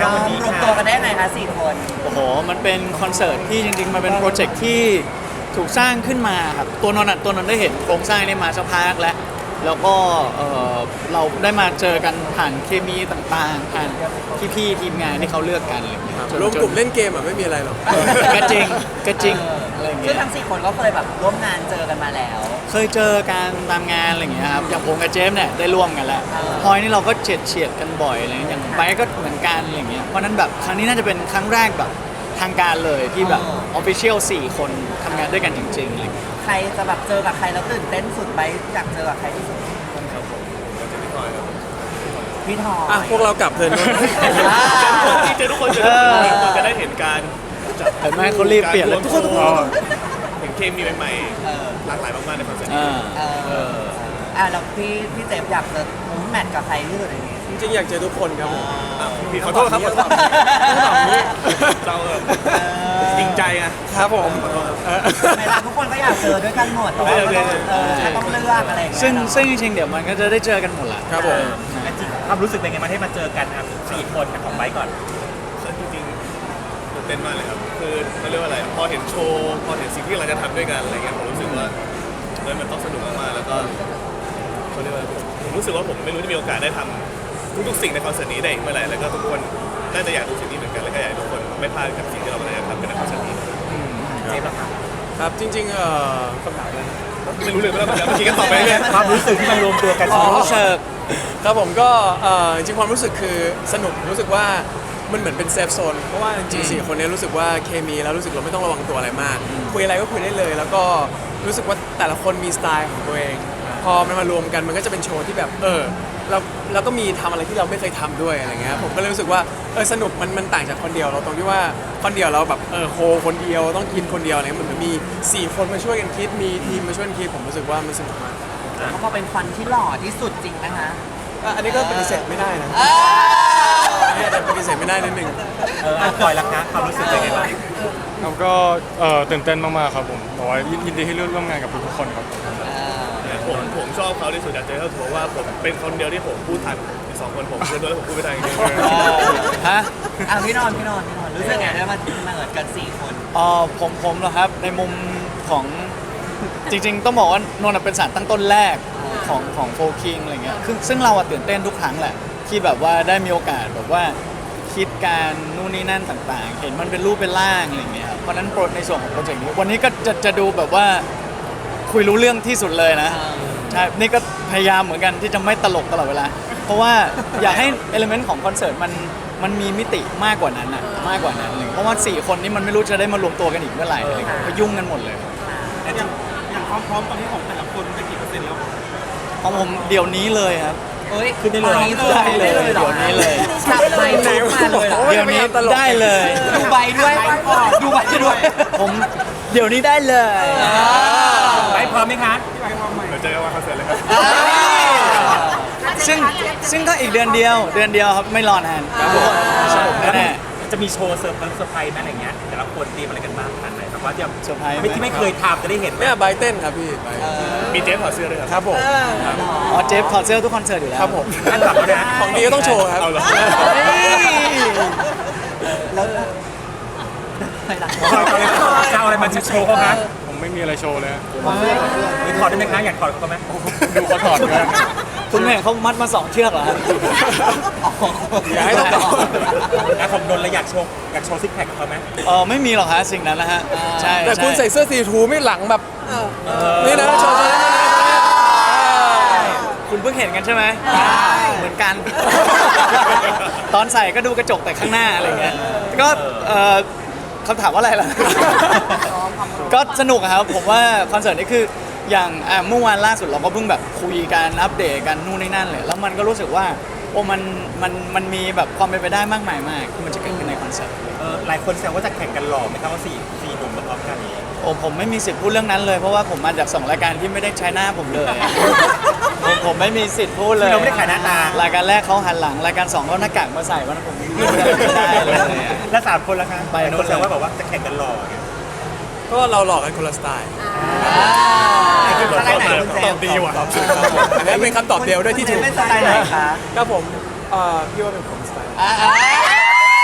คะวันนี้รวมตัวกันได้ไงคะ4 คนโอ้โหมันเป็นคอนเสิร์ตที่จริงๆมันเป็นโปรเจกต์ที่ถูกสร้างขึ้นมาครับตัวนนท์ได้เห็นโครงสร้างนี้มาสักพักแล้วก็เราได้มาเจอกันผ่านเคมีต่างๆผ่านพี่ๆทีมงานที่เขาเลือกกันอะไรอย่างเงี้ยรวมกลุ่มเล่นเกมไม่มีอะไรหรอกก็จริงอะไรอย่างซึ่เงี้งยทั้ง4 คนก็เคยแบบร่วมงานเจอกันมาแล้วเคยเจอการตามงานอะไรอย่างเงี้ยครับอย่างผมกับเจฟเนี่ยได้ร่วมกันแล้วพลอยนี่เราก็เฉียดกันบ่อยอะไรอย่างเงี้ยอย่างไบร์ทก็เหมือนกันอะไรอย่างเงี้ยเพราะนั้นแบบครั้งนี้น่าจะเป็นครั้งแรกแบบทางการเลยที่แบบออฟฟิเชียล4 คนทำงานด้วยกันจริงๆอะไรอย่างเงี้ยใครจะแบบเจอกับใครแล้วตื่นเต้นสุดไปอยากเจอกับใครที่สุดพี่ทอยพวกเรากลับเพลินที่เจอทุกคนจะได้เห็นการเห็นไหมเขารีบเปลี่ยนเลยทุกคนเห็นเคมีใหม่ๆหลากหลายมากๆในคอนเสิร์ตแล้วพี่เจฟอยากเจอแมทกับใครที่สุดในนี้จริงๆอยากเจอทุกคนครับผมพี่ขอโทษครับเราจริงใจไงครับผมเวลาทุกคนก็อยากเจอด้วยกันหมดแต่ว่าก็ต้องเลือกอะไรอย่างเงี้ยซึ่งจริงๆเดี๋ยวมันก็จะได้เจอกันหมดแหละครับผมความรู้สึกเป็นไงมาให้มาเจอกันครับ4 คนของไบค์ก่อนจริงๆตื่นเต้นมากเลยครับคือเขาเรียกว่าอะไรพอเห็นโชว์พอเห็นสิ่งที่เราจะทำด้วยกันอะไรเงี้ยผมรู้สึกว่ามันต้องสนุกมากๆแล้วก็เขาเรียกว่าผมรู้สึกว่าผมไม่รู้จะมีโอกาสได้ทำทุกๆสิ่งในคอนเสิร์ตนี้ได้อีกเมื่อไหร่แล้วก็ทุกคนน่าจะอยากดูสิ่งนี้เหมือนกันแล้วก็อยากให้ทุกคนไม่พลาดกับสิ่งที่เรากำลังจะทำในคอนเสิร์ตนี้ครับจริงๆคำถามอะไรไม่รู้เลยว่าเราจะคิดกันต่อไปเนี่ยความรู้สึกที่มันรวมตัวกันรู้สึกครับผมก็จริงๆความรู้สึกคือสนุกรู้สึกว่ามันเหมือนเป็นเซฟโซนเพราะว่าจริงๆ4 คนนี้รู้สึกว่าเคมีแล้วรู้สึกเราไม่ต้องระวังตัวอะไรมากคุยอะไรก็คุยได้เลย แล้วก็รู้สึกว่าแต่ละคนมีสไตล์ของตัวเอง พอมันมารวมกันมันก็จะเป็นโชว์ที่แบบเราก็มีทำอะไรที่เราไม่เคยทำด้วยอะไรเงี้ยผมก็เลยรู้สึกว่าสนุกมันต่างจากคนเดียวเราตรงที่ว่าคนเดียวเราแบบโฮคนเดียวต้องกินคนเดียวอะไรมันเหมือนมี4 คนมาช่วยกันคิดมีทีมมาช่วยกันคิดผมรู้สึกว่ามันสนุกมากเขาก็เป็นฟันที่หล่อที่สุดจริงนะคะอันนี้ก็ปฏิเสธไม่ได้นะเนี่ยแต่ปฏิเสธไม่ได้นิดนึงปล่อยละคะความรู้สึกเป็นไงบ้างครับก็ตื่นเต้นมากๆครับผมแต่ว่ายินดีที่ร่วมงานกับทุกๆคนครับผมชอบเขาที่สุดอยากเจอเขาถือว่าผมเป็นคนเดียวที่ผมพูดทันอีก2 คนผมเพื่อนด้วยแล้วผมพูดไม่ทันจริงฮะพี่นอนรู้สึกไงได้มาเหมือนกัน4 คนผมเหรอครับในมุมของจริงๆต้องบอกว่านนท์เป็นสารตั้งต้นแรกของโฟคิงอะไรเงี้ยซึ่งเราตื่นเต้นทุกครั้งแหละที่แบบว่าได้มีโอกาสแบบว่าคิดการนู่นนี่นั่นต่างๆ เห็นมันเป็นรูปเป็นร่างอะไรเงี้ยครับเพราะนั้นในส่วนของโปรเจกต์นี้วันนี้ก็จะดูแบบว่าคุยรู้เรื่องที่สุดเลยนะใช่นี่ก็พยายามเหมือนกันที่จะไม่ตลกตลอดเวลาเพราะว่าอยากให้เอลิเมนต์ของคอนเสิร์ตมันมีมิติมากกว่านั้นอะมากกว่านั้นเลยเพราะว่า4 คนนี้มันไม่รู้จะได้มารวมตัวกันอีกเมื่อไหร่อะไรเงี้ยก็ยุ่งกันหมดเลยอย่างความพร้อมตอนนี้ของแต่ละคนเป็นกี่เปอร์เซ็นต์แล้วของผมเดี๋ยวนี้เลยครับขึ้นได้เลยได้เลยเดี๋ยวนี้เลยจับไปไหนมาเลยเหรอเดี๋ยวนี้ได้เลยดูใบด้วยดูใบด้วยผมเดี๋ยวนี้ได้เลยไปพร้อมไหมคะๆเดี๋ยวเจอกันวันคอนเสิร์ตเลยครับซึ่งก็อีกเดือนเดียวครับไม่รอนานทุกคนสนุกแน่จะมีโชว์เซอร์ไพรส์ไหมอะไรเงี้ยแต่ละคนเตรียมอะไรกันบ้างขนาดไหนแบบว่าจะๆเซอร์ไพรส์ที่ไม่เคยทำจะได้เห็นไหมเนี่ยไบเต้นครับพี่ไบร์ทมีเจฟถอดเสื้อด้วยครับครับผมอ๋อเจฟถอดเสื้อทุกคอนเสิร์ตอยู่แล้วครับผมอันดับแล้วนะของดีก็ต้องโชว์ครับเอาเหรอแล้วไปหลังจะเอาอะไรมาโชว์เขาคะผมไม่มีอะไรโชว์เลยหรือถอดได้ไหมคะอยากถอดเขาไหมดูเขาถอดกันคุณเห็นเขามัดมา2 เชือกเหรอครับอยากให้ต้องอ่ะผมนนท์เลยอยากโชว์ซิกแพคกับเขาไหมไม่มีหรอกฮะสิ่งนั้นนะฮะใช่แต่คุณใส่เสื้อสีทูไม่หลังแบบนี่นะโชว์นี่นะคุณเพิ่งเห็นกันใช่ไหมเหมือนกัน ตอนใส่ก็ดูกระจกแต่ข้างหน้าอะไรเงี้ยก็คำถามว่าอะไรล่ะ ก็สนุกอะครับผมว่าคอนเสิร์ตนี้คืออย่างเมื่อวานล่าสุดเราก็เพิ่งแบบคุยกันอัปเดตกันนู่นนี่นั่นเลยแล้วมันก็รู้สึกว่าโอ้มันมีแบบความเป็นไปได้มากมายมากที่มันจะเกิดขึ้นในคอนเสิร์ตหลายคนแซวว่าจะแข่งกันหล่อไหมครับว่าสี่หนุ่มมาพร้อมกันนี้โอ้ผมไม่มีสิทธิ์พูดเรื่องนั้นเลยเพราะว่าผมมาจาก2 รายการที่ไม่ได้ใช้หน้าผมเลยอะ ผมไม่มีสิทธิ์พูดเลยเราไม่ได้ขายหน้าตารายการแรกเขาหันหลังรายการ2เขาหน้ากากมาใส่วันนั้นผมพูดไม่ได้เลยอะและ3 คนละคะไปหลายโน่คน นแซวว่าแบบว่าจะแข่งกันหล่อไงก็เราหลอกกันคนละสไตล์สไตล์ไหนคุณเจตอมบดีว่ะอันนี้เป็นคำตอบเดียวด้วยที่ถูกเป็นสไตล์ไหนคะครับผมพี่ว่าเป็นผมสไตล์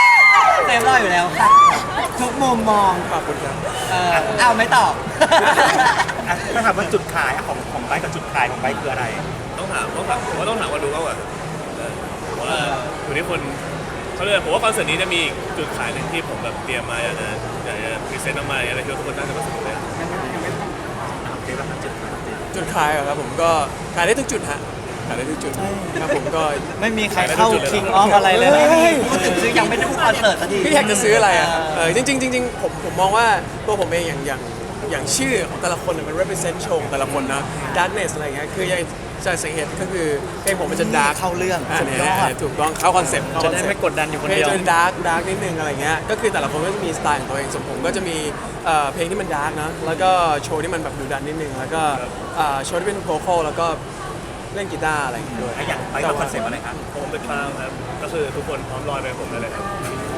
มุมมองขอบคุณครับเอาไม่ตอบอ่ะถ้าถามว่าจุดขายของไบค์กับจุดขายของไบค์คืออะไรต้องถามผมว่าต้องถามว่าดูมากกว่าผมว่าอยู่ที่คนเขาเรียกผมว่าคอนเสิร์ตนี้จะมีอีกจุดขายหนึ่งที่ผมแบบเตรียมมาอยากจะพรีเซนต์ออกมาอะไรที่ทุกคนน่าจะมาสนุกเลยจุดขายเหรอครับผมก็ขายได้ทุกจุดฮะขายได้ทุกจุดครับผมก็ไม่มีใครเข้า King of อะไรเลยนะพูดถึงซื้อยังไม่ได้พูดคอนเสิร์ตสักทีพี่อยากจะซื้ออะไรอ่ะจริงๆผมมองว่าตัวผมเองอย่างชื่อของแต่ละคนมัน represent โชว์ของแต่ละคนนะ darkness อะไรเงี้ยคืออย่างจะสังเกตก็คือเพลงผมมันจะ dark เข้าเรื่องอ่าสุดเนี่ยยอดถูกต้องเข้าคอนเซ็ปต์จะได้ไม่กดดันอยู่คนเดียวเพลงจะ dark นิดนึงอะไรเงี้ยก็คือแต่ละคนก็จะมีสไตล์ของตัวเองส่วนผมก็จะมีเพลงที่มัน dark นะแล้วก็โชว์ที่มันแบบดุดันนิดนึงแล้วก็โชว์ที่เป็นโวคอลแล้วก็เล่นกีตาร์อะไรอย่างเงี้ยด้วยอย่างไบค์กับคอนเซ็ปต์อะไรครับผมเป็นคลาวครับก็คือทุกคนพร้อมลอยไปกับผมได้เลยครับ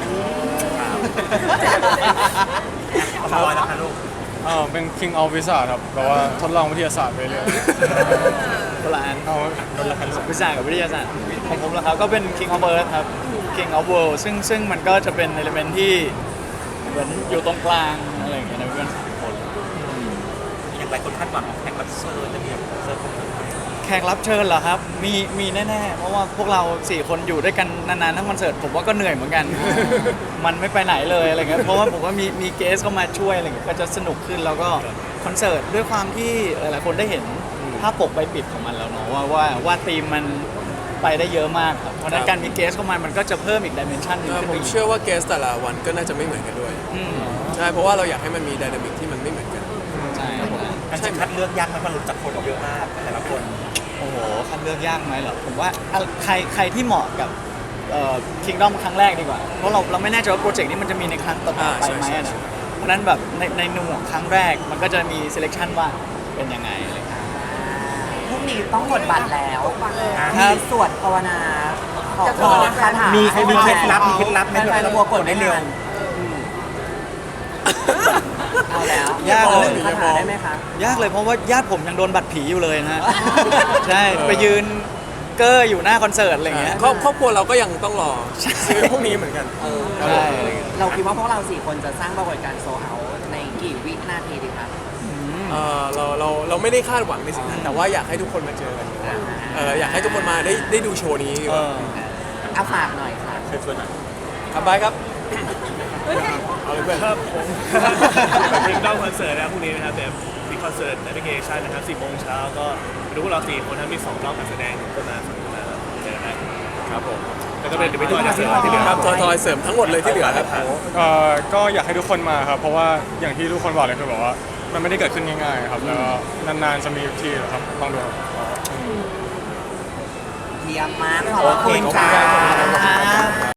ขอบอยนะคะลูกเป็น King of Wizard ครับแบบว่าทดลองวิทยาศาสตร์ไปเรื่อยคนละอันเอาคนละคันวิชากับวิทยาศาสตร์ของผมแล้วครับก็เป็น King of Earth ครับ King of World ซึ่งมันก็จะเป็นเอลิเมนที่เหมือนอยู่ตรงกลางอะไรอย่างเงี้ยนะเพื่อนคนอย่างไรคนคาดหวังแข่งรับเชิญจะมีเซิร์ฟของแขกรับเชิญเหรอครับมีแน่ๆเพราะว่าพวกเรา4คนอยู่ด้วยกันนานๆทั้งคอนเสิร์ตผมว่าก็เหนื่อยเหมือนกัน มันไม่ไปไหนเลยอะไรเงี้ยเพราะว่าผมว่ามีเกสเข้ามาช่วยอะไรเงี้ยก็จะสนุกขึ้นแล้วก็คอนเสิร์ตด้วยความที่หลายๆคนได้เห็นภาพปกใบปิดของมันแล้วเนาะว่าธีมมันไปได้เยอะมากครับเพราะฉะนั้นการมีเกสเข้ามามันก็จะเพิ่มอีกดิเมนชันหนึงขึ้นผไปมอีกเชื่อว่าเกสแต่ละวันก็น่าจะไม่เหมือนกันด้วยอืมใช่เพราะว่าเราอยากให้มันมีไดนามิกที่มันไม่เหมือนกันใช่ครับผมการจะคัดเลือกยากไหมมันรู้จักคนเยอะมากแต่ละคนโอ้โหคัดเลือกยากไหมเหรอผมว่าใครที่เหมาะกับKingdom ครั้งแรกดีกว่า เพราะเราไม่แน่ใจว่าโปรเจกต์นี้มันจะมีในครั้งต่อๆไปไหมอะนะเพราะฉะนั้นแบบในหน่วยครั้งแรกมันก็จะมี selection ว่าเป็นยังไงอะไรเงี้ยพรุ่งนี้ต้องกดบัตรแล้วครัมีบสวดภาวนาขอคาถามีมีเคล็ดลับไหมแฟนๆระบบกดได้เร็วเอาแล้วยากเลยคาถาได้ไหมคะยากเลยเพราะว่าญาติผมยังโดนบัตรผีอยู่เลยนะฮะ ใช่ไปยืนเกอร์อยู่หน้าคอนเสิร์ตอะไรเงี้ยครอบครัวเราก็ยังต้องรอซื้อพวกนี้เหมือนกันใช่เราคิดว่าพวกเรา4คนจะสร้างปรากฏการณ์โซเอาในกี่วินาทีดีคะเราไม่ได้คาดหวังในสิ่งนั้นแต่ว่าอยากให้ทุกคนมาเจอกันอยากให้ทุกคนมาได้ดูโชว์นี้ดีกว่าเอาฝากหน่อยค่ะเชิญชวนหน่อยครับบายครับเอาเลยเพื่อนครับผมเพลงด้อมคอนเสิร์ตนะครับพรุ่งนี้นะครับแต่มีคอนเสิร์ตแอปพลิเคชันนะครับ 10 โมงเช้าก็ดูพวกเรา4 คนนะมี2 รอบการแสดงก็มาสนุกนะครับเจอกันได้ครับผมแล้วก็เป็นเดี๋ยวไปต่อจากเสริมที่เหลือครับทอยเสริมทั้งหมดเลยที่เหลือครับก็อยากให้ทุกคนมาครับ เพราะว่าอย่างที่ทุกคนบอกเลยคือแบบว่ามันไม่ได้เกิดขึ้นง่ายๆครับแล้วก็นานๆจะมีทีครับลองดูครับเยี่ยมมากขอบคุณค่ะ